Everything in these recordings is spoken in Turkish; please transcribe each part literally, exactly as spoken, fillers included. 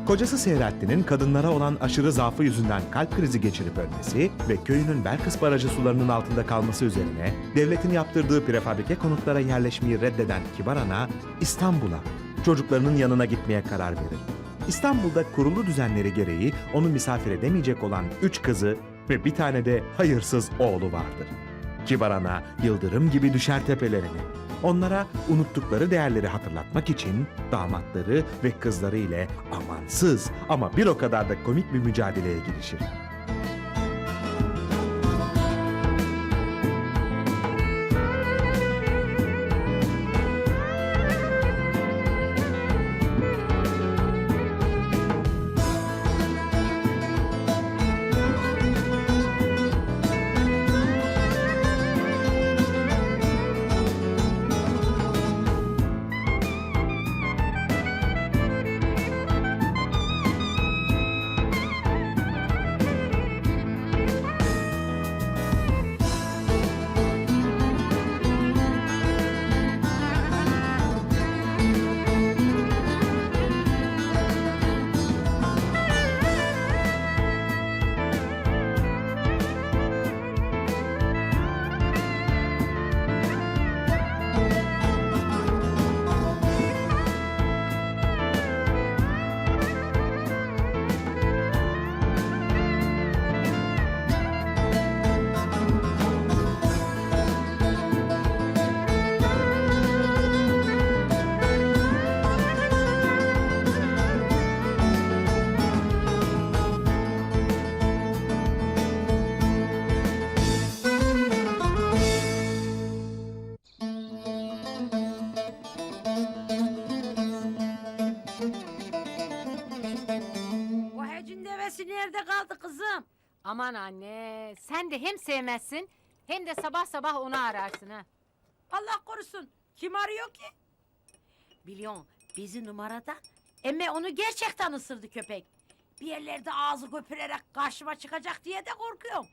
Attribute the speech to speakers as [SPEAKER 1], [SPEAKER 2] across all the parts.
[SPEAKER 1] Kocası Seyrettin'in kadınlara olan aşırı zaafı yüzünden kalp krizi geçirip ölmesi ve köyünün Belkıs Barajı sularının altında kalması üzerine devletin yaptırdığı prefabrike konutlara yerleşmeyi reddeden Kibar Ana İstanbul'a, çocuklarının yanına gitmeye karar verir. İstanbul'da kurulu düzenleri gereği onu misafir edemeyecek olan üç kızı ve bir tane de hayırsız oğlu vardır. Kibar Ana yıldırım gibi düşer tepelerine. Onlara unuttukları değerleri hatırlatmak için damatları ve kızları ile amansız ama bir o kadar da komik bir mücadeleye girişir.
[SPEAKER 2] O hecin devesi nerede kaldı kızım?
[SPEAKER 3] Aman anne, sen de hem sevmezsin hem de sabah sabah onu ararsın ha.
[SPEAKER 2] Allah korusun. Kim arıyor ki? Biliyorsun bizi numarada. Emme onu gerçekten ısırdı köpek. Bir yerlerde ağzı köpürerek karşıma çıkacak diye de korkuyorum.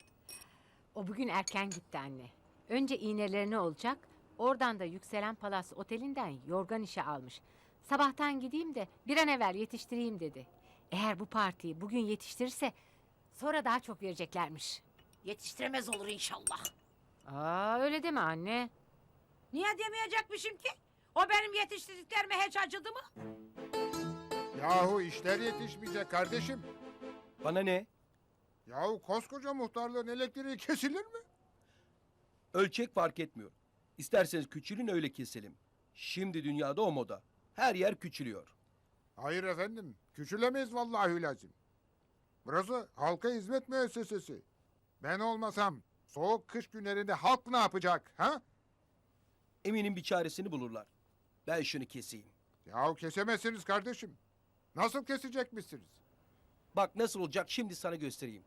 [SPEAKER 3] O bugün erken gitti anne. Önce iğnelerini olacak, oradan da Yükselen Palas Oteli'nden yorgan işe almış. Sabahtan gideyim de bir an evvel yetiştireyim dedi. Eğer bu partiyi bugün yetiştirirse sonra daha çok vereceklermiş.
[SPEAKER 2] Yetiştiremez olur inşallah.
[SPEAKER 3] Aa, öyle deme anne.
[SPEAKER 2] Niye demeyecekmişim ki? O benim yetiştirdiklerime hiç acıdı mı?
[SPEAKER 4] Yahu işler yetişmeyecek kardeşim.
[SPEAKER 5] Bana ne?
[SPEAKER 4] Yahu koskoca muhtarlığın elektriği kesilir mi?
[SPEAKER 5] Ölçek fark etmiyor. İsterseniz küçülün öyle keselim. Şimdi dünyada o moda. Her yer küçülüyor.
[SPEAKER 4] Hayır efendim, küçülemeyiz vallahi lazım. Burası halka hizmet müessesesi. Ben olmasam soğuk kış günlerinde halk ne yapacak ha?
[SPEAKER 5] Eminim bir çaresini bulurlar. Ben şunu keseyim.
[SPEAKER 4] Yahu kesemezsiniz kardeşim. Nasıl kesecekmişsiniz?
[SPEAKER 5] Bak nasıl olacak şimdi sana göstereyim.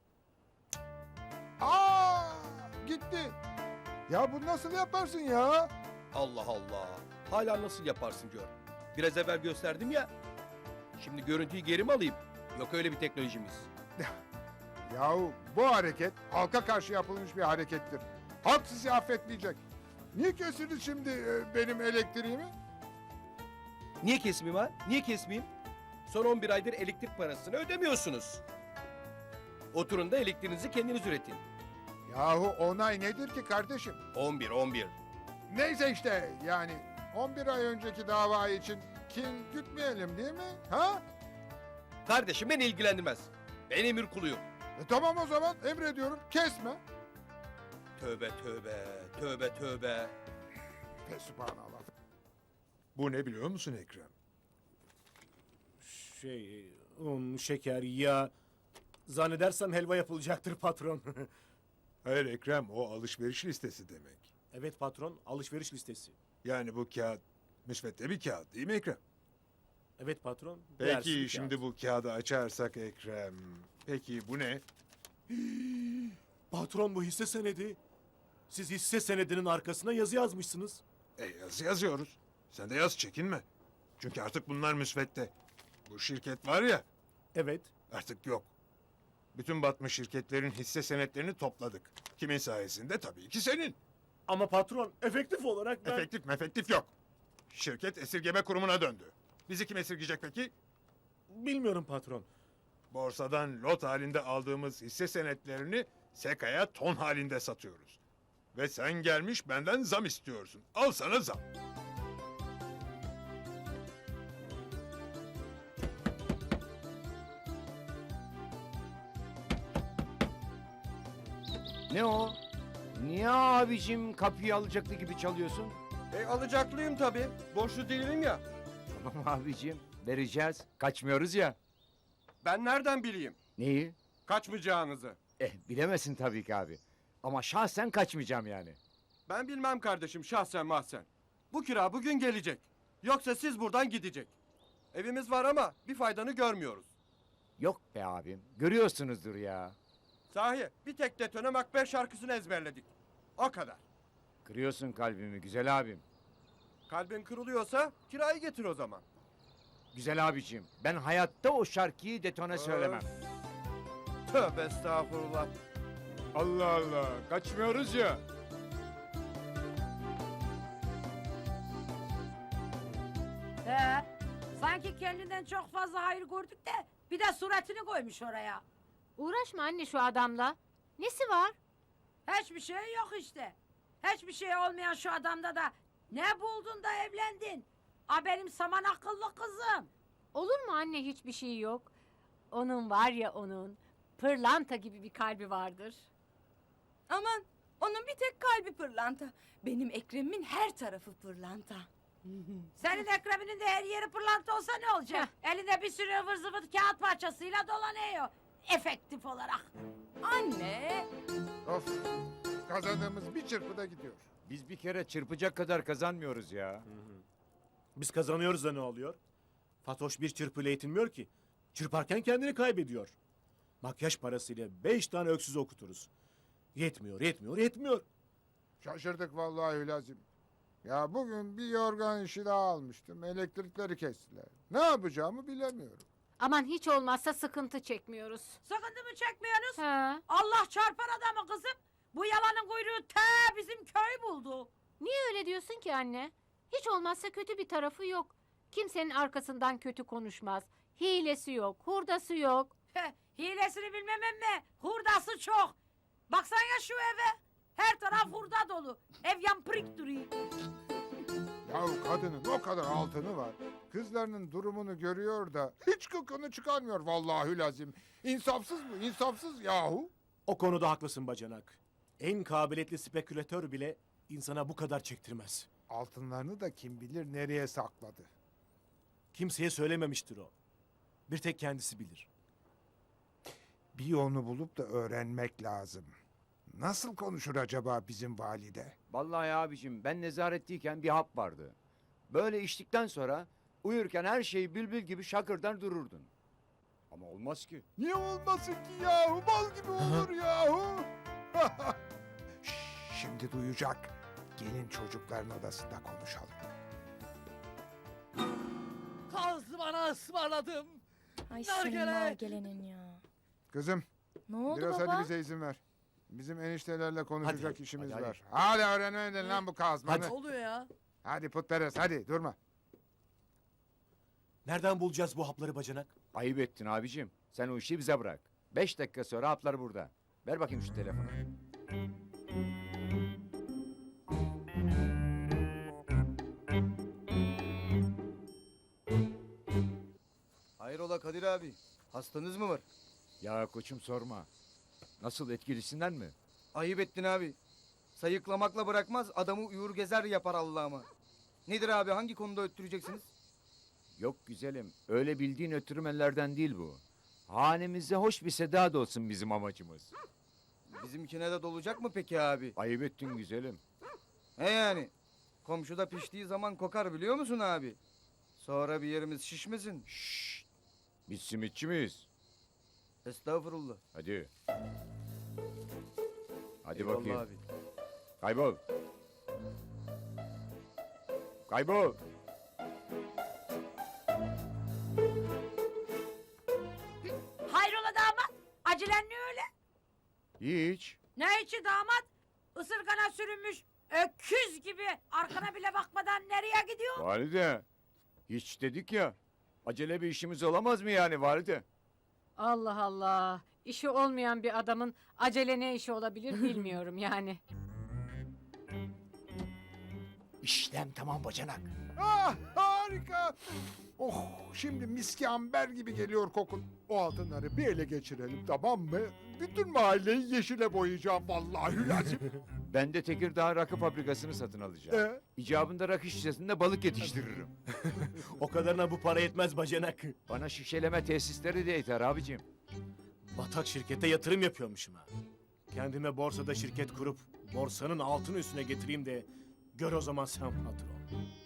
[SPEAKER 4] Aa, gitti. Ya bu nasıl yaparsın ya?
[SPEAKER 5] Allah Allah. Hala nasıl yaparsın gör. Biraz evvel gösterdim ya. Şimdi görüntüyü geri mi alayım? Yok öyle bir teknolojimiz.
[SPEAKER 4] Yahu bu hareket halka karşı yapılmış bir harekettir. Halk sizi affetmeyecek. Niye kestiniz şimdi e, benim elektriğimi?
[SPEAKER 5] Niye kesmeyeyim ha? Niye kesmeyeyim? Son on bir aydır elektrik parasını ödemiyorsunuz. Oturun da elektriğinizi kendiniz üretin.
[SPEAKER 4] Yahu onay nedir ki kardeşim?
[SPEAKER 5] on bir on bir.
[SPEAKER 4] Neyse işte yani on bir ay önceki dava için kin gütmeyelim değil mi? Ha?
[SPEAKER 5] Kardeşim beni ilgilendirmez. Ben emir kuluyum.
[SPEAKER 4] E tamam o zaman emrediyorum kesme.
[SPEAKER 5] Tövbe tövbe, tövbe tövbe.
[SPEAKER 4] Fesubhanallah.
[SPEAKER 6] Bu ne biliyor musun Ekrem?
[SPEAKER 7] Şey, un, şeker, yağ. Zannedersem helva yapılacaktır patron.
[SPEAKER 6] Hayır Ekrem, o alışveriş listesi demek.
[SPEAKER 7] Evet patron, alışveriş listesi.
[SPEAKER 6] Yani bu kağıt müsvedde bir kağıt değil mi Ekrem?
[SPEAKER 7] Evet patron. değersiz
[SPEAKER 6] Peki
[SPEAKER 7] bir
[SPEAKER 6] şimdi
[SPEAKER 7] kağıt.
[SPEAKER 6] bu kağıdı açarsak Ekrem. Peki bu ne?
[SPEAKER 7] Patron bu hisse senedi. Siz hisse senedinin arkasına yazı yazmışsınız.
[SPEAKER 6] E yazı yazıyoruz. Sen de yaz çekinme. Çünkü artık bunlar müsvedde. Bu şirket var ya
[SPEAKER 7] Evet.
[SPEAKER 6] artık yok. Bütün batmış şirketlerin hisse senetlerini topladık. Kimin sayesinde? Tabii ki senin.
[SPEAKER 7] Ama patron efektif olarak ben...
[SPEAKER 6] Efektif mefektif yok. Şirket esirgeme kurumuna döndü. Bizi kim esirgeyecek peki?
[SPEAKER 7] Bilmiyorum patron.
[SPEAKER 6] Borsadan lot halinde aldığımız hisse senetlerini Seka'ya ton halinde satıyoruz. Ve sen gelmiş benden zam istiyorsun. Al sana zam.
[SPEAKER 8] Ne o? Niye abicim kapıyı alacaktı gibi çalıyorsun?
[SPEAKER 5] E alacaklıyım tabii. Borçlu değilim ya.
[SPEAKER 8] Tamam abicim, vereceğiz. Kaçmıyoruz ya.
[SPEAKER 5] Ben nereden bileyim?
[SPEAKER 8] Neyi?
[SPEAKER 5] Kaçmayacağınızı.
[SPEAKER 8] Eh bilemezsin tabii ki abi. Ama şahsen kaçmayacağım yani.
[SPEAKER 5] Ben bilmem kardeşim şahsen mahsen. Bu kira bugün gelecek. Yoksa siz buradan gidecek. Evimiz var ama bir faydanı görmüyoruz.
[SPEAKER 8] Yok be abim, görüyorsunuzdur ya.
[SPEAKER 5] Sahi bir tek detone makber şarkısını ezberledik. O kadar.
[SPEAKER 8] Kırıyorsun kalbimi güzel abim.
[SPEAKER 5] Kalbin kırılıyorsa kirayı getir o zaman.
[SPEAKER 8] Güzel abicim, ben hayatta o şarkıyı detone söylemem.
[SPEAKER 5] Tövbe estağfurullah.
[SPEAKER 8] Allah Allah, kaçmıyoruz ya.
[SPEAKER 2] He, sanki kendinden çok fazla hayır gördük de bir de suratını koymuş oraya.
[SPEAKER 3] Uğraşma anne şu adamla. Nesi var?
[SPEAKER 2] Hiçbir şey yok işte. Hiçbir şey olmayan şu adamda da ne buldun da evlendin? A benim saman akıllı kızım.
[SPEAKER 3] Olur mu anne hiçbir şey yok. Onun var ya onun. Pırlanta gibi bir kalbi vardır.
[SPEAKER 9] Aman onun bir tek kalbi pırlanta. Benim Ekrem'imin her tarafı pırlanta.
[SPEAKER 2] Senin Ekrem'inin de her yeri pırlanta olsa ne olacak? Elinde bir sürü ıvır zıvır kağıt parçasıyla dolanıyor. Efektif olarak.
[SPEAKER 9] Anne.
[SPEAKER 4] Of. Kazandığımız bir çırpıda gidiyor.
[SPEAKER 8] Biz bir kere çırpacak kadar kazanmıyoruz ya.
[SPEAKER 7] Biz kazanıyoruz da ne oluyor? Fatoş bir çırpıyla yetinmiyor ki. Çırparken kendini kaybediyor. Makyaj parasıyla beş tane öksüz okuturuz. Yetmiyor, yetmiyor, yetmiyor.
[SPEAKER 4] Şaşırdık vallahi Hülazim. Ya bugün bir yorgan işi daha almıştım. Elektrikleri kestiler. Ne yapacağımı bilemiyorum.
[SPEAKER 3] Aman hiç olmazsa sıkıntı çekmiyoruz.
[SPEAKER 2] Sakındı mı çekmiyorsunuz?
[SPEAKER 3] Ha.
[SPEAKER 2] Allah çarpar adamı kızım. Bu yalanın kuyruğu te bizim köy buldu.
[SPEAKER 3] Niye öyle diyorsun ki anne? Hiç olmazsa kötü bir tarafı yok. Kimsenin arkasından kötü konuşmaz. Hilesi yok, hurdası yok.
[SPEAKER 2] Heh, hilesini bilmem mi? Hurdası çok. Baksana şu eve. Her taraf hurda dolu. Ev yampırik duruyor.
[SPEAKER 4] Ya kadının o kadar altını var. Kızlarının durumunu görüyor da hiç kıkını çıkarmıyor vallahi Hülazim. İnsafsız mı? İnsafsız yahu.
[SPEAKER 7] O konuda haklısın bacanak. En kabiliyetli spekülatör bile insana bu kadar çektirmez.
[SPEAKER 4] Altınlarını da kim bilir nereye sakladı.
[SPEAKER 7] Kimseye söylememiştir o. Bir tek kendisi bilir.
[SPEAKER 4] Bir yolunu bulup da öğrenmek lazım. Nasıl konuşur acaba bizim valide?
[SPEAKER 8] Vallahi abicim ben nezaretteyken bir hap vardı. Böyle içtikten sonra uyurken her şey bülbül gibi şakırdan dururdun. Ama olmaz ki.
[SPEAKER 4] Niye olmasın ki yahu? Bal gibi olur yahu. Şş, Şimdi duyacak. Gelin çocukların odasında konuşalım.
[SPEAKER 10] Kazlı bana ısmarladım.
[SPEAKER 9] Ay
[SPEAKER 10] Nargile.
[SPEAKER 9] senin nargelenin ya.
[SPEAKER 4] Kızım
[SPEAKER 9] Ne oldu
[SPEAKER 4] biraz
[SPEAKER 9] baba?
[SPEAKER 4] hadi bize izin ver. Bizim eniştelerle konuşacak
[SPEAKER 7] Hadi,
[SPEAKER 4] işimiz
[SPEAKER 7] hadi,
[SPEAKER 4] var. Hadi öğrenmedin lan bu kazmanı.
[SPEAKER 10] Ne
[SPEAKER 4] Hadi,
[SPEAKER 10] oluyor ya?
[SPEAKER 4] hadi putperest hadi durma.
[SPEAKER 7] Nereden bulacağız bu hapları bacanak?
[SPEAKER 8] Ayıp ettin abicim. Sen o işi bize bırak. Beş dakika sonra haplar burada. Ver bakayım şu telefonu.
[SPEAKER 11] Hayrola Kadir abi? Hastanız mı var?
[SPEAKER 8] Ya koçum sorma. Nasıl etkilisinden mi?
[SPEAKER 11] Ayıp ettin abi. Sayıklamakla bırakmaz adamı uyur gezer yapar Allah'ıma. Nedir abi hangi konuda öttüreceksiniz?
[SPEAKER 8] Yok güzelim. Öyle bildiğin ötürmelerden değil bu. Hanemize hoş bir seda da olsun bizim amacımız.
[SPEAKER 11] Bizimkine de dolacak mı peki abi?
[SPEAKER 8] Ayıp ettin güzelim.
[SPEAKER 11] He yani. Komşuda piştiği zaman kokar biliyor musun abi? Sonra bir yerimiz şişmesin.
[SPEAKER 8] Şşş. Biz simitçi miyiz?
[SPEAKER 11] Estağfurullah.
[SPEAKER 8] Hadi. Hadi
[SPEAKER 11] Eyvallah
[SPEAKER 8] bakayım.
[SPEAKER 11] abi.
[SPEAKER 8] Kaybol. Kaybol.
[SPEAKER 2] Hayrola damat? Acelen ne öyle?
[SPEAKER 8] Hiç.
[SPEAKER 2] Ne içi damat? Isırgana sürünmüş öküz gibi arkana bile bakmadan nereye gidiyor?
[SPEAKER 8] Valide. Hiç dedik ya. Acele bir işimiz olamaz mı yani valide?
[SPEAKER 3] Allah Allah. İşi olmayan bir adamın acele ne işi olabilir bilmiyorum yani.
[SPEAKER 7] İşlem tamam bacanak.
[SPEAKER 4] Ah harika. Oh şimdi miski amber gibi geliyor kokun. O altınları bir ele geçirelim tamam mı? Bütün mahalleyi yeşile boyayacağım vallahi lazım.
[SPEAKER 8] Ben de Tekirdağ rakı fabrikasını satın alacağım.
[SPEAKER 4] Ee?
[SPEAKER 8] İcabında rakı şişesinde balık yetiştiririm.
[SPEAKER 7] O kadarına bu para yetmez bacanak.
[SPEAKER 8] Bana şişeleme tesisleri de yeter abicim.
[SPEAKER 7] Batak şirkete yatırım yapıyormuşum ha. Kendime borsada şirket kurup borsanın altını üstüne getireyim de gör o zaman sen patron.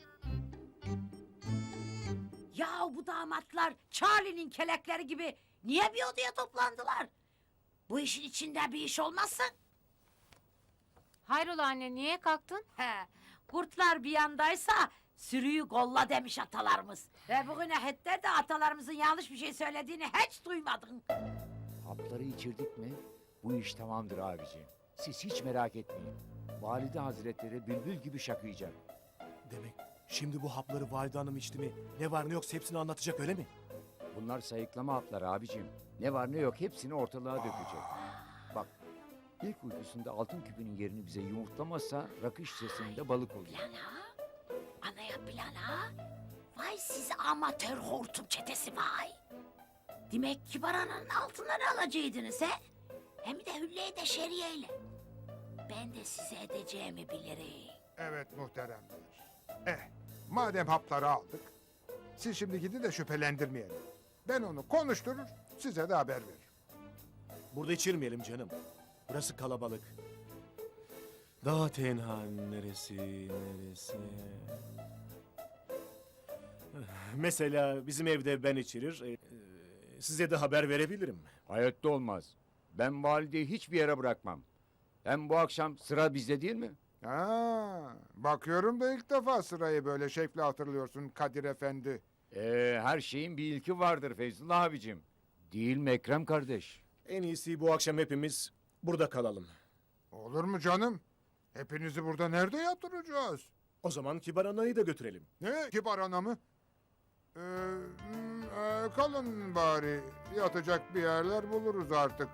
[SPEAKER 2] Ya bu damatlar Charlie'nin kelekleri gibi niye bir odaya toplandılar? Bu işin içinde bir iş olmasın?
[SPEAKER 3] Hayrola anne niye kalktın?
[SPEAKER 2] He, kurtlar bir yandaysa sürüyü kolla demiş atalarımız. Ve bugüne hatta de atalarımızın yanlış bir şey söylediğini hiç duymadın.
[SPEAKER 8] Hapları içirdik mi bu iş tamamdır abicim. Siz hiç merak etmeyin. Valide hazretleri bülbül gibi şakıyacak.
[SPEAKER 7] Demek şimdi bu hapları valide hanım içti mi ne var ne yoksa hepsini anlatacak öyle mi?
[SPEAKER 8] Bunlar sayıklama hapları abicim. Ne var ne yok hepsini ortalığa dökecek. Bak ilk uykusunda altın küpünün yerini bize yumurtlamazsa rakı şişesinde balık oluyor.
[SPEAKER 2] Plan ha? Anaya plan ha? Vay siz amatör hortum çetesi vay. Demek Kibar Ana'nın altınları alacaktınız he? Hem de hülleyi de şeriyeyle. Ben de size edeceğimi bilirim.
[SPEAKER 4] Evet muhteremler. Eh madem hapları aldık. Siz şimdi gidin de şüphelendirmeyelim. Ben onu konuşturur size de haber veririm.
[SPEAKER 7] Burada içirmeyelim canım. Burası kalabalık. Daha tenha neresi neresi? Mesela bizim evde ben içirir. e, e, Size de haber verebilirim.
[SPEAKER 8] Hayatta olmaz. Ben valideyi hiçbir yere bırakmam. Hem bu akşam sıra bizde değil mi?
[SPEAKER 4] Ha, bakıyorum da ilk defa sırayı böyle şekle hatırlıyorsun Kadir Efendi.
[SPEAKER 8] Ee, her şeyin bir ilki vardır Feyzullah abicim. Değil mi Ekrem kardeş?
[SPEAKER 7] En iyisi bu akşam hepimiz burada kalalım.
[SPEAKER 4] Olur mu canım? Hepinizi burada nerede yatıracağız?
[SPEAKER 7] O zaman Kibar Ana'yı da götürelim.
[SPEAKER 4] Ne? Kibar ana mı? Ee, hmm, e, kalın bari. Yatacak bir yerler buluruz artık.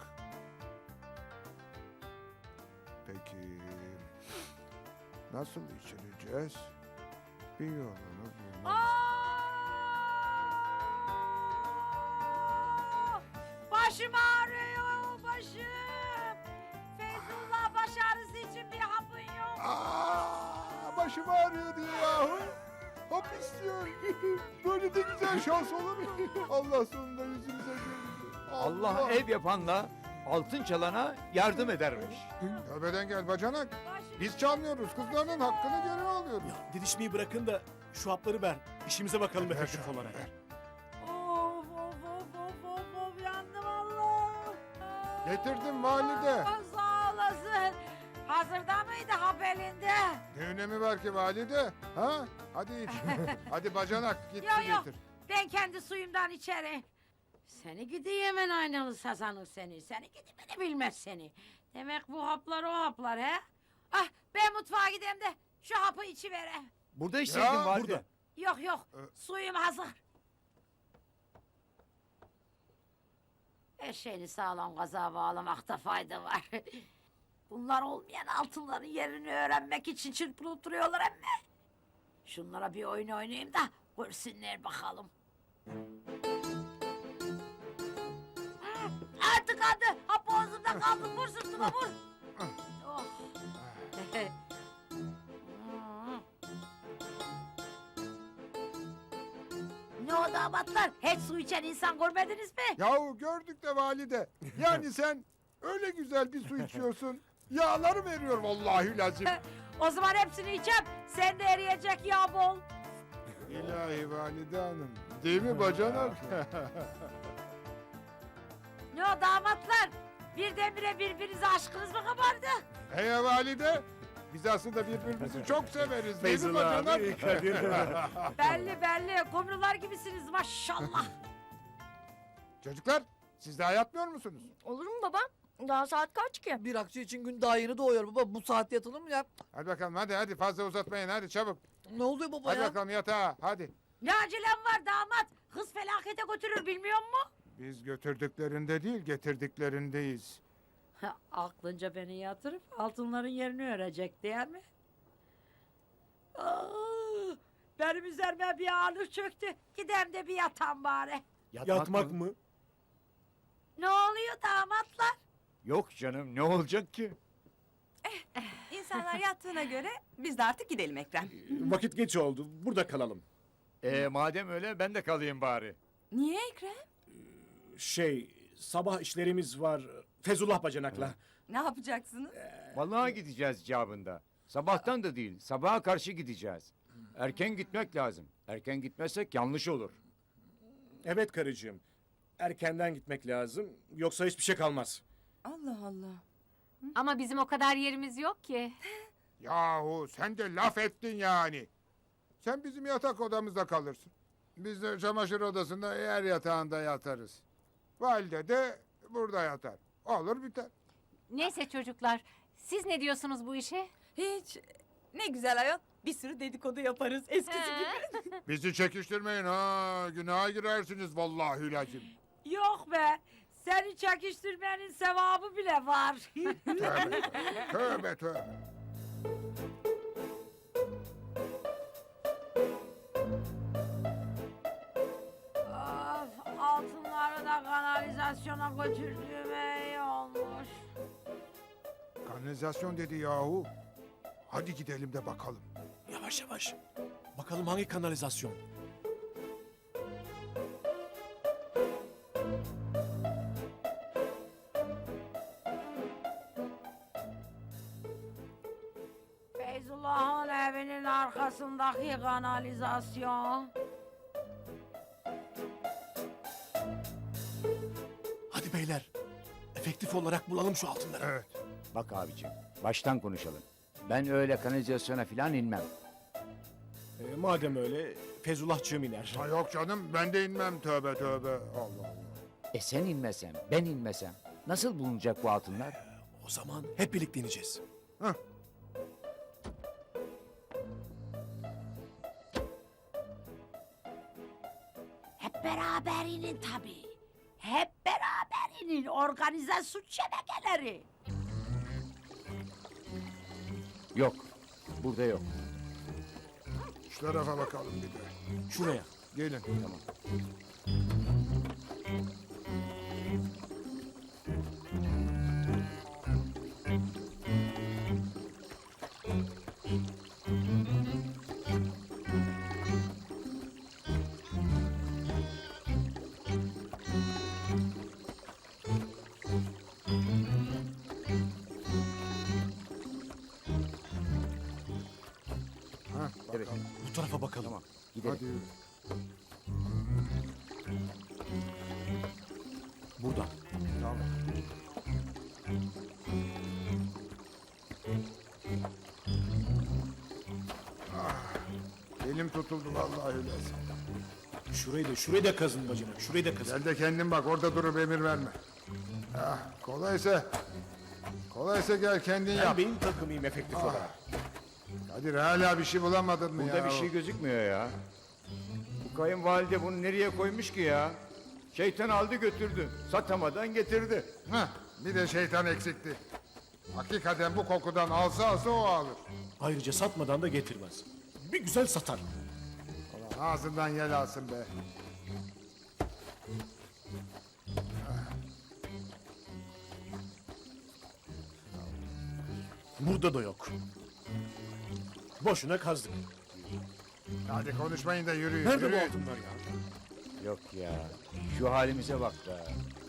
[SPEAKER 4] Peki... Nasıl içireceğiz? Bir yolunu bulmamız...
[SPEAKER 2] Başım ağrıyor başım. Feyzullah baş ağrısı için bir hapın yok.
[SPEAKER 4] Aa, başım ağrıyor diye yahu. Hap istiyor. Böyle de güzel şans olur mu? Allah sonunda yüzümüze güldü.
[SPEAKER 8] Allah ev yapanla altın çalana yardım edermiş.
[SPEAKER 4] Tövbeden gel bacanak.
[SPEAKER 2] Başım
[SPEAKER 4] Biz çalmıyoruz. Kızlarının hakkını geri alıyoruz.
[SPEAKER 7] Ya didişmeyi bırakın da şu hapları ver. İşimize bakalım efektif olarak.
[SPEAKER 2] Of of of of of of yandım Allah.
[SPEAKER 4] Getirdim valide.
[SPEAKER 2] Aa, sağ olasın. Hazırda mıydı hap elinde?
[SPEAKER 4] Ne önemi var ki valide? Ha? Hadi iç. Hadi bacanak git
[SPEAKER 2] Yok,
[SPEAKER 4] su
[SPEAKER 2] yok.
[SPEAKER 4] getir.
[SPEAKER 2] Ben kendi suyumdan içerim. Seni gidi hemen aynalı sazanır seni. Seni gidi beni bilmez seni. Demek bu haplar o haplar he? Ah ben mutfağa gideyim de şu hapı içivere.
[SPEAKER 8] Burada içseydin
[SPEAKER 4] Ya,
[SPEAKER 8] valide.
[SPEAKER 7] burada.
[SPEAKER 2] Yok yok
[SPEAKER 4] Ee,
[SPEAKER 2] suyum hazır. Her şeyini sağlam kaza bağlamakta fayda var. Bunlar olmayan altınların yerini öğrenmek için çırpınıp duruyorlar emme. Şunlara bir oyun oynayayım da görsünler bakalım. Hı, Artık hadi hap boğazımda kaldı vur sırtıma vur. Oh. Hı. Ne o damatlar? Hiç su içen insan görmediniz mi?
[SPEAKER 4] Yahu gördük de valide. Yani sen öyle güzel bir su içiyorsun. Yağları veriyor vallahi lazım.
[SPEAKER 2] O zaman hepsini içem. Sen de eriyecek yağ bol.
[SPEAKER 4] İlahi valide hanım. Değil mi bacanak?
[SPEAKER 2] Ne o damatlar? Birdenbire birbirinize aşkınız mı kabardı?
[SPEAKER 4] Hey valide. Biz aslında birbirimizi çok severiz değil mi
[SPEAKER 7] Feyzullah
[SPEAKER 4] bacanak?
[SPEAKER 7] abi, Kadir.
[SPEAKER 2] Belli belli. Kumrular gibisiniz maşallah.
[SPEAKER 4] Çocuklar siz daha yatmıyor musunuz?
[SPEAKER 9] Olur mu baba? Daha saat kaç ki?
[SPEAKER 10] Bir akçe için gün daha yeni doğuyor baba. Bu saatte yatılır mı ya?
[SPEAKER 4] Hadi bakalım hadi hadi fazla uzatmayın hadi çabuk.
[SPEAKER 10] Ne oluyor baba
[SPEAKER 4] Hadi
[SPEAKER 10] ya?
[SPEAKER 4] bakalım yatağa hadi.
[SPEAKER 2] Ne acelem var damat? Kız felakete götürür bilmiyor musun?
[SPEAKER 4] Biz götürdüklerinde değil getirdiklerindeyiz.
[SPEAKER 2] Aklınca beni yatırıp altınların yerini örecek değil mi? Aa, benim üzerime bir ağırlık çöktü. Gidem de bir yatan bari.
[SPEAKER 7] Yatmak mı?
[SPEAKER 2] Ne oluyor damatlar?
[SPEAKER 8] Yok canım ne olacak ki?
[SPEAKER 9] İnsanlar yattığına göre biz de artık gidelim Ekrem.
[SPEAKER 7] Vakit geç oldu. Burada kalalım.
[SPEAKER 8] E madem öyle ben de kalayım bari.
[SPEAKER 9] Niye Ekrem?
[SPEAKER 7] Şey, sabah işlerimiz var. Fezullah bacanakla.
[SPEAKER 9] Ne yapacaksınız?
[SPEAKER 8] Vallahi gideceğiz cevabında. Sabahtan da değil, sabaha karşı gideceğiz. Erken gitmek lazım. Erken gitmezsek yanlış olur.
[SPEAKER 7] Evet karıcığım. Erkenden gitmek lazım. Yoksa hiçbir şey kalmaz.
[SPEAKER 9] Allah Allah.
[SPEAKER 3] Ama bizim o kadar yerimiz yok ki.
[SPEAKER 4] Yahu sen de laf ettin yani. Sen bizim yatak odamızda kalırsın. Biz de çamaşır odasında yer yatağında yatarız. Valide de burada yatar. Olur biter.
[SPEAKER 3] Neyse çocuklar, siz ne diyorsunuz bu işe?
[SPEAKER 9] Hiç. Ne güzel ayol. Bir sürü dedikodu yaparız eskisi gibi.
[SPEAKER 4] Bizi çekiştirmeyin ha. Günaha girersiniz vallahi lazım.
[SPEAKER 2] Yok be. Seni çekiştirmenin sevabı bile var.
[SPEAKER 4] Tövbe tövbe. tövbe.
[SPEAKER 2] Of, altınları da kanalizasyona götürdüğüme iyi olmuş.
[SPEAKER 4] Kanalizasyon dedi yahu. Hadi gidelim de bakalım.
[SPEAKER 7] Yavaş yavaş. Bakalım hangi kanalizasyon?
[SPEAKER 2] Feyzullah'ın evinin arkasındaki kanalizasyon.
[SPEAKER 7] Hadi beyler. Efektif olarak bulalım şu altınları.
[SPEAKER 4] Evet.
[SPEAKER 8] Bak abicim, baştan konuşalım. Ben öyle kanalizasyona falan inmem.
[SPEAKER 7] Ee, madem öyle Feyzullahçığım iner.
[SPEAKER 4] Ha yok canım ben de inmem tövbe tövbe. Allah Allah.
[SPEAKER 8] E sen inmesem, ben inmesem nasıl bulunacak bu altınlar?
[SPEAKER 7] O zaman hep birlikte ineceğiz.
[SPEAKER 4] Hah.
[SPEAKER 2] Hep beraber inin tabii. Hep beraber inin. Organize suç şebekeleri.
[SPEAKER 8] Yok, burada yok.
[SPEAKER 4] Şu tarafa bakalım bir de.
[SPEAKER 7] Şuraya.
[SPEAKER 4] Gelin.
[SPEAKER 8] Tamam.
[SPEAKER 4] Ha,
[SPEAKER 8] Evet.
[SPEAKER 4] bakalım.
[SPEAKER 7] Bu tarafa bakalım.
[SPEAKER 8] Tamam, gidelim.
[SPEAKER 4] Hadi yürü.
[SPEAKER 7] Burada.
[SPEAKER 4] Tamam. Ah, elim tutuldu vallahi lazım.
[SPEAKER 7] Şurayı da, şurayı da kazın bacanak. Şurayı da kazın.
[SPEAKER 4] Gel de kendin bak orada durup emir verme. Ah, kolaysa kolaysa gel kendin
[SPEAKER 7] Ben
[SPEAKER 4] yap.
[SPEAKER 7] beyin takımıyım efektif olarak.
[SPEAKER 4] Kadir hala bir şey bulamadın mı
[SPEAKER 8] Burada
[SPEAKER 4] ya?
[SPEAKER 8] bir şey gözükmüyor ya. Bu kayınvalide bunu nereye koymuş ki ya? Şeytan aldı götürdü. Satamadan getirdi.
[SPEAKER 4] Heh, bir de şeytan eksikti. Hakikaten bu kokudan alsa alsa o alır.
[SPEAKER 7] Ayrıca satmadan da getirmez. Bir güzel satar.
[SPEAKER 4] Ulan ağzından yel alsın be.
[SPEAKER 7] Burada da yok. Boşuna kazdık.
[SPEAKER 4] Hadi konuşmayın da yürüyün.
[SPEAKER 7] Nerede bu
[SPEAKER 4] yürüyün.
[SPEAKER 7] altınlar ya?
[SPEAKER 8] Yok ya. Şu halimize bak be.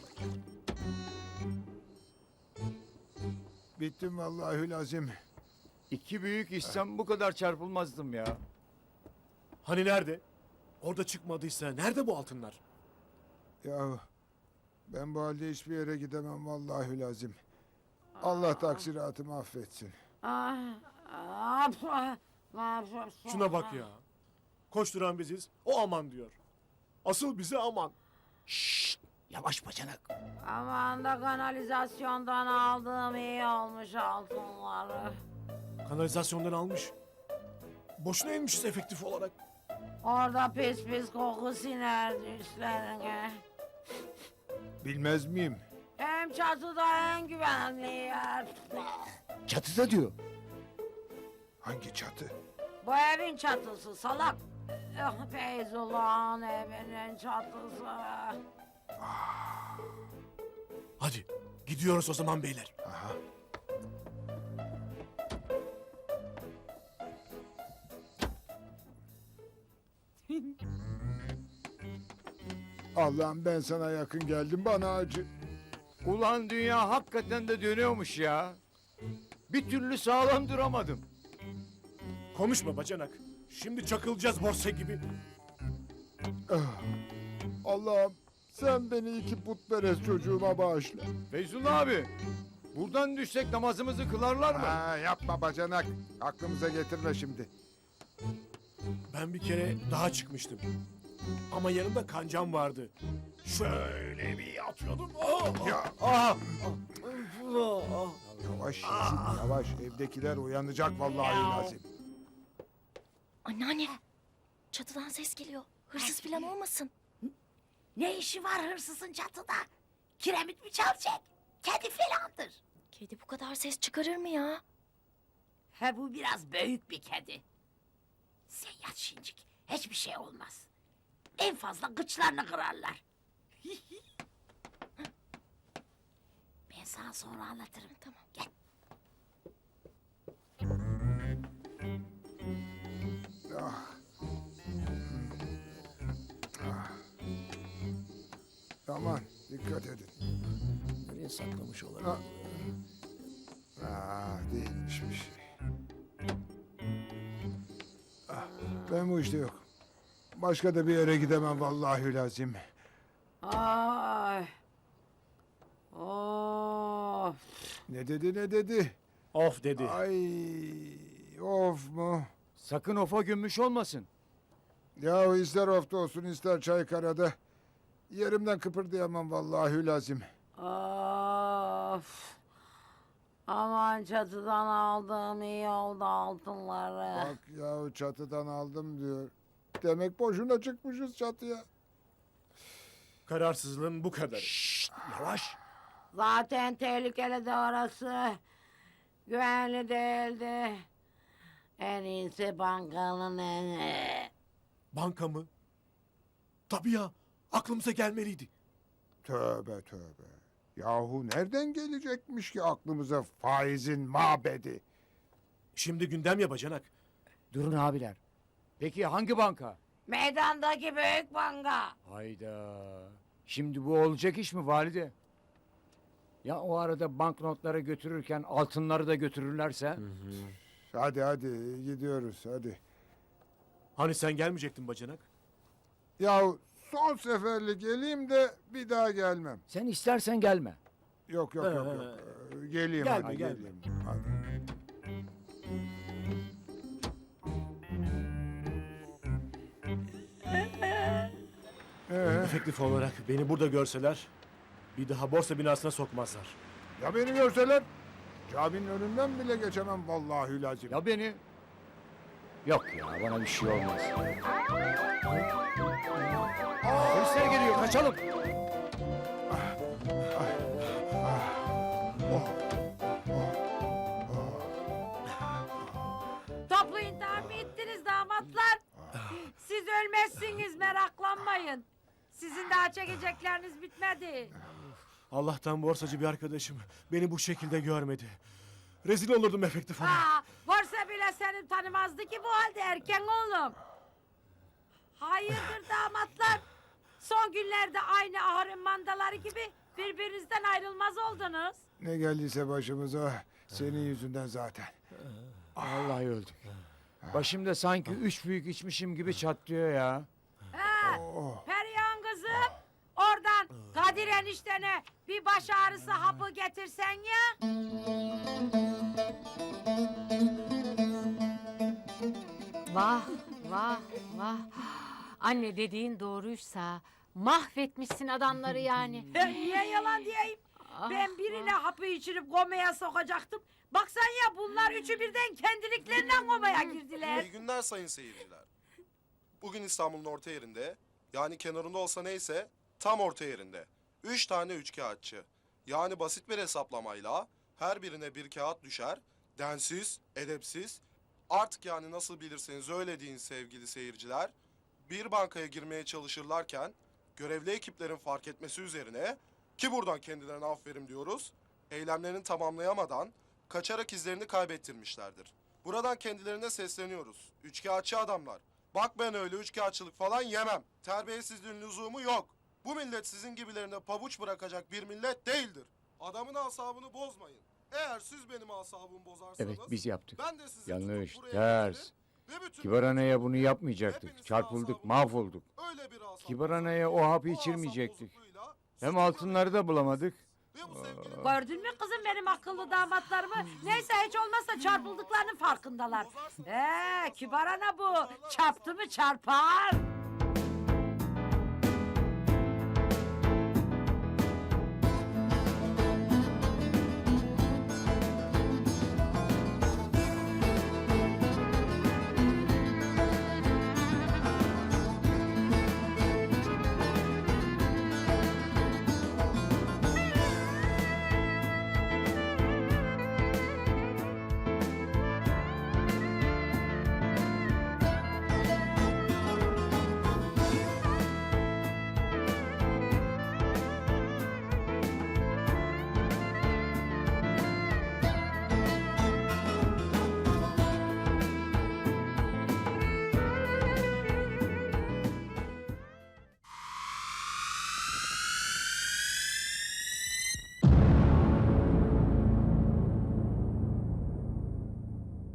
[SPEAKER 4] Bittim vallahi lazım.
[SPEAKER 8] İki büyük içsem bu kadar çarpılmazdım ya.
[SPEAKER 7] Hani nerede? Orada çıkmadıysa nerede bu altınlar?
[SPEAKER 4] Ya ben bu halde hiçbir yere gidemem vallahi lazım. Allah taksiratımı affetsin.
[SPEAKER 2] Ah, ah, ah, ah,
[SPEAKER 7] Şuna bak ya. Koşturan biziz, o aman diyor. Asıl bize aman. Şşt! Yavaş bacanak.
[SPEAKER 2] Aman da kanalizasyondan aldığım iyi olmuş altınları.
[SPEAKER 7] Kanalizasyondan almış. Boşuna inmişiz efektif olarak.
[SPEAKER 2] Orada pis pis koku sinerdi üstlerine.
[SPEAKER 4] Bilmez miyim?
[SPEAKER 2] Hem çatıda en güvenli yer.
[SPEAKER 8] Çatıda diyor.
[SPEAKER 4] Hangi çatı?
[SPEAKER 2] Bu evin çatısı salak. Eh, Feyzullah'ın evinin çatısı.
[SPEAKER 7] Hadi gidiyoruz o zaman beyler.
[SPEAKER 4] Aha. Allah'ım ben sana yakın geldim bana acı.
[SPEAKER 8] Ulan dünya hakikaten de dönüyormuş ya. Bir türlü sağlam duramadım.
[SPEAKER 7] Konuşma bacanak. Şimdi çakılacağız borsa gibi.
[SPEAKER 4] Allah'ım sen beni iki putperest çocuğuma bağışla.
[SPEAKER 8] Feyzullah abi, buradan düşsek namazımızı kılarlar mı?
[SPEAKER 4] Ha, yapma bacanak. Aklımıza getirme şimdi.
[SPEAKER 7] Ben bir kere daha çıkmıştım. Ama yanımda kancam vardı. Şöyle bir atıyordum. Ah,
[SPEAKER 4] Ya.
[SPEAKER 7] ah,
[SPEAKER 4] Yavaş Yasin, yavaş. Evdekiler uyanacak vallahi lazım.
[SPEAKER 9] Anneanne. Çatıdan ses geliyor. Hırsız falan olmasın.
[SPEAKER 2] Ne işi var hırsızın çatıda? Kiremit mi çalacak? Kedi falandır.
[SPEAKER 9] Kedi bu kadar ses çıkarır mı ya?
[SPEAKER 2] He bu biraz büyük bir kedi. Sen yat şincik. Hiçbir şey olmaz. En fazla gıçlarını kırarlar. Ben sana sonra anlatırım.
[SPEAKER 9] Tamam.
[SPEAKER 2] Gel.
[SPEAKER 4] Ah. Ah. Aman dikkat edin.
[SPEAKER 7] Nereye saklamış olabilir?
[SPEAKER 4] Ah. Ah, değilmiş bir şey. Ah, ben bu işte yok. Başka da bir yere gidemem vallahi lazım.
[SPEAKER 2] Ay. Of.
[SPEAKER 4] Ne dedi ne dedi?
[SPEAKER 7] Of dedi.
[SPEAKER 4] Ay of mu?
[SPEAKER 8] Sakın ofa gömmüş olmasın.
[SPEAKER 4] Ya ister ofta olsun ister Çaykara'da. Yerimden kıpırdayamam vallahi lazım.
[SPEAKER 2] Of. Aman çatıdan aldığım iyi oldu altınları.
[SPEAKER 4] Bak ya çatıdan aldım diyor. Demek boşuna çıkmışız çatıya.
[SPEAKER 7] Kararsızlığın bu kadar.
[SPEAKER 8] Yavaş.
[SPEAKER 2] Zaten tehlikeli de orası. Güvenli değildi. En iyisi bankanın en...
[SPEAKER 7] Banka mı? Tabii ya. Aklımıza gelmeliydi.
[SPEAKER 4] Tövbe tövbe. Yahu nereden gelecekmiş ki aklımıza faizin mabedi?
[SPEAKER 7] Şimdi gündem ya bacanak.
[SPEAKER 8] Durun abiler. Peki hangi banka?
[SPEAKER 2] Meydandaki büyük banka.
[SPEAKER 8] Hayda. Şimdi bu olacak iş mi valide? Ya o arada banknotları götürürken altınları da götürürlerse?
[SPEAKER 4] Hadi hadi gidiyoruz hadi.
[SPEAKER 7] Hani sen gelmeyecektin bacanak?
[SPEAKER 4] Yahu son seferlik geleyim de bir daha gelmem.
[SPEAKER 8] Sen istersen gelme.
[SPEAKER 4] Yok yok yok yok. Ee, Geleyim
[SPEAKER 7] Gelme,
[SPEAKER 4] hadi
[SPEAKER 7] gelme.
[SPEAKER 4] geleyim. Hadi. Ee,
[SPEAKER 7] Efektif olarak beni burada görseler bir daha borsa binasına sokmazlar.
[SPEAKER 4] ya beni görseler caminin önünden bile geçemem vallahi lazım.
[SPEAKER 8] Ya beni? Yok ya bana bir şey olmaz. Polisler geliyor kaçalım.
[SPEAKER 2] Toplu intihar mı ettiniz damatlar? Siz ölmezsiniz meraklanmayın. Sizin daha çekecekleriniz bitmedi.
[SPEAKER 7] Allah'tan borsacı bir arkadaşım beni bu şekilde görmedi. Rezil olurdum efektif olarak.
[SPEAKER 2] Aa, borsa bile seni tanımazdı ki bu halde erken oğlum. Hayırdır damatlar? Son günlerde aynı ahırın mandaları gibi birbirinizden ayrılmaz oldunuz.
[SPEAKER 4] Ne geldiyse başımıza senin yüzünden zaten.
[SPEAKER 8] Vallahi öldük. Başımda sanki üç büyük içmişim gibi çatlıyor ya.
[SPEAKER 2] Ha,
[SPEAKER 4] Oh.
[SPEAKER 2] Perihan kızım, oradan Kadir eniştene bir baş ağrısı hapı getirsen ya.
[SPEAKER 3] Vah vah vah. Anne dediğin doğruysa mahvetmişsin adamları yani.
[SPEAKER 2] Niye yalan diyeyim?
[SPEAKER 3] Ah,
[SPEAKER 2] Ben birine hapı içirip komaya sokacaktım. Baksan ya bunlar üçü birden kendiliklerinden komaya girdiler.
[SPEAKER 12] İyi günler sayın seyirciler. bugün İstanbul'un orta yerinde, yani kenarında olsa neyse tam orta yerinde. Üç tane üçkağıtçı. Yani basit bir hesaplamayla her birine bir kağıt düşer, densiz, edepsiz, artık yani nasıl bilirseniz öyle deyin sevgili seyirciler, bir bankaya girmeye çalışırlarken görevli ekiplerin fark etmesi üzerine, ki buradan kendilerine aferin diyoruz, eylemlerini tamamlayamadan kaçarak izlerini kaybettirmişlerdir. Buradan kendilerine sesleniyoruz. Üçkağıtçı adamlar. Bak ben öyle üçkağıtçılık falan yemem. Terbiyesizliğin lüzumu yok. Bu millet sizin gibilerine pabuç bırakacak bir millet değildir. Adamın asabını bozmayın. Eğer siz benim asabımı bozarsanız...
[SPEAKER 8] Evet biz yaptık.
[SPEAKER 12] Ben de sizi
[SPEAKER 8] Yanlış,
[SPEAKER 12] tutup buraya
[SPEAKER 8] ters.
[SPEAKER 12] getirir ve bütün
[SPEAKER 8] Kibar anaya bunu
[SPEAKER 12] milletleri,
[SPEAKER 8] yapmayacaktık.
[SPEAKER 12] hepinizin
[SPEAKER 8] Çarpıldık,
[SPEAKER 12] asabını
[SPEAKER 8] mahvolduk.
[SPEAKER 12] öyle bir asap
[SPEAKER 8] Kibar
[SPEAKER 12] bozar
[SPEAKER 8] anaya
[SPEAKER 12] ki,
[SPEAKER 8] o hapı
[SPEAKER 12] o asap
[SPEAKER 8] içirmeyecektik.
[SPEAKER 12] bozukluğuyla
[SPEAKER 8] Hem
[SPEAKER 12] sizi
[SPEAKER 8] altınları da bulamadık.
[SPEAKER 12] ve bu sevgili-
[SPEAKER 2] Gördün mü kızım benim akıllı damatlarımı? Neyse hiç olmazsa çarpıldıklarının farkındalar. Ee, kibar ana bu. Çarptı mı çarpar.